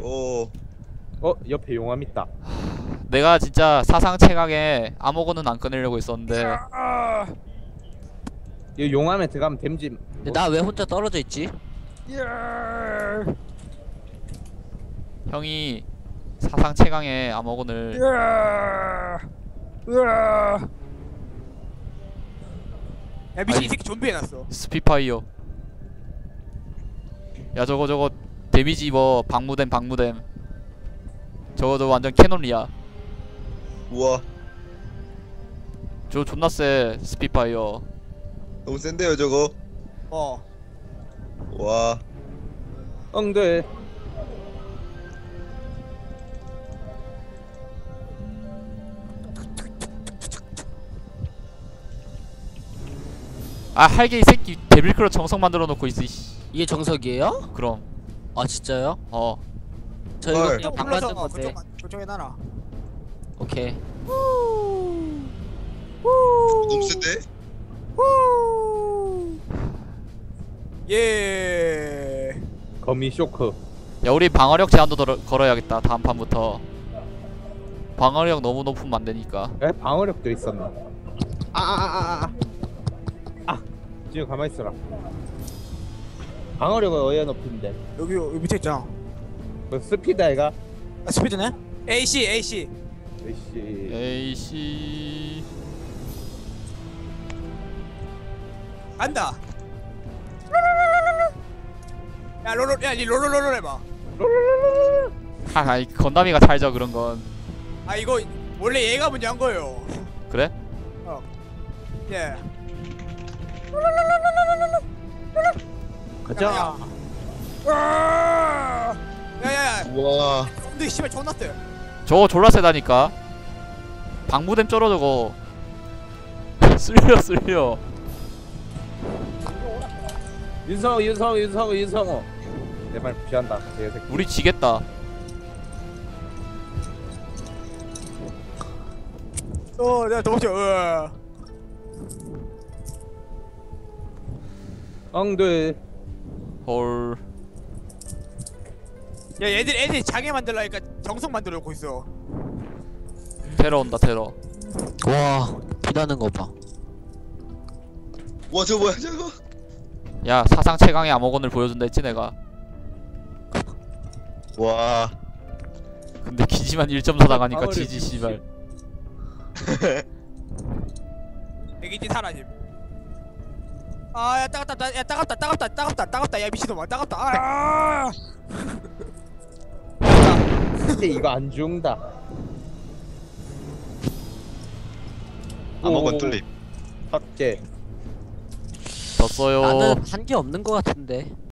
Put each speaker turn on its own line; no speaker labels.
오.
옆에 용암 있다.
내가 진짜 사상 최강의 암호고는 안 꺼내려고 했었는데
이 용암에 들어가면 댐지.
근데 나 왜 혼자 떨어져 있지?
형이 사상 최강의 암호곤을
야 미친
아니.
이 새끼 좀비 해놨어.
스피파이어. 야 저거 데미지 입어. 방무댐 저거 완전 캐논이야.
우와.
저거 존나 세. 스피파이어.
너무 센데요 저거.
어.
와.
엉들.
아 할게 이 새끼 데빌크로 정성 만들어 놓고 있어. 이씨.
이게 정석이에요?
그럼
아 진짜요?
어
저 이거
헐.
그냥 방 만든 건데.
그쪽에 놔라.
오케이.
너무 센데?
예.
거미 쇼크.
야 우리 방어력 제한도 걸어야겠다. 다음 판부터 방어력 너무 높으면 안 되니까.
에 방어력도 있었나? 지금 가만히 있어라. 방어력은 어디에 높인데?
여기 밑에 있잖아.
그 스피드 아이가?
아, 스피드네? AC.
에이씨.
에이씨.
간다. 야 롤롤 야니 롤롤롤 해봐.
하하 이 건담이가 살죠 그런 건.
아 이거 원래 얘가 먼저 한 거예요.
그래?
예.
가자.
야야야.
우와.
근데 씨발 존나 세.
저거 졸라 세다니까. 방무댐 쩔어 저거. 쓸려.
윤성호. 내 말 무시한다. 개새끼.
우리 지겠다.
내가 도망쳐.
엉들.
헐.
야 애들이 장애 만들라니까 정성 만들어 놓고 있어.
테러 온다 테러.
와 비나는 거 봐.
와 저거 뭐야 저거?
야 사상 최강의 암호건을 보여준다 했지 내가.
와.
근데 기지만 1.4 당하니까
방어력
지지 씨발.
애기지 사라짐. 아야 따갑다. 야 따갑다. 야 미친놈아 따갑다. 아.
근데 이거 안 죽는다.
암호건 뚫림.
삭제.
졌어요.
나는 한 게 없는 거 같은데.